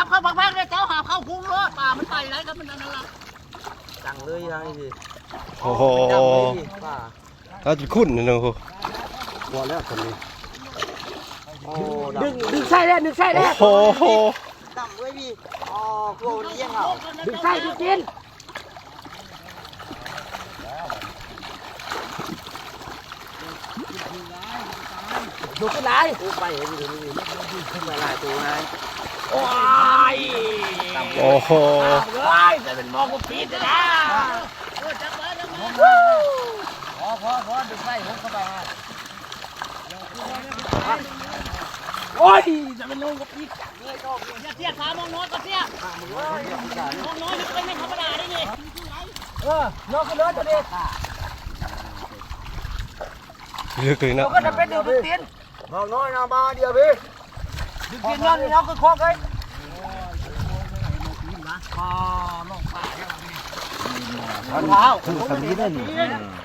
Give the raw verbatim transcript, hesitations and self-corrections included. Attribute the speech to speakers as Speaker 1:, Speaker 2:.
Speaker 1: บเข้าพักๆเนี่ยเจ้าหาเข้าคุ้งเลยป่ามันไปไรครับมันนั่นละจังเลยยังสิ
Speaker 2: โอ้โหเราจะคุ้นนะน้องพอแล้วคนนี้
Speaker 1: ดึงดึงไส้ได้ดึงไส้ได้
Speaker 2: โอ้โห
Speaker 1: ดำด้วยพี่อ๋อโคลนเยี่ยงเหรอดึงไส้ดึงกินดูขึ้นไหนดูไปเห็นดูนี่ขึ้นไปหลายตัวไงโอ้ย
Speaker 2: โอ้โห
Speaker 1: เลยแต่เป็นมองกูปีดนะพอพอพอดึงไส้ผมเข้าไปฮะโอ้ยจะเป็นลงกับปีดจังเลยก็เสียขามองน้อยก็เสียมองน้อยไม่ไม่ธรรมดาได้นี่เออน้องก็เลยตัวเด็ก
Speaker 2: ลึกเลยนะ
Speaker 1: ก็จะเป็นดึงดึงตีนน้องน้อยนามาเดียวพี่ดึงตีนนั่นนี่น้องก็คล้องเลยอ๋อน้องป่าแค่นี้รองเท้าผมไม่ได้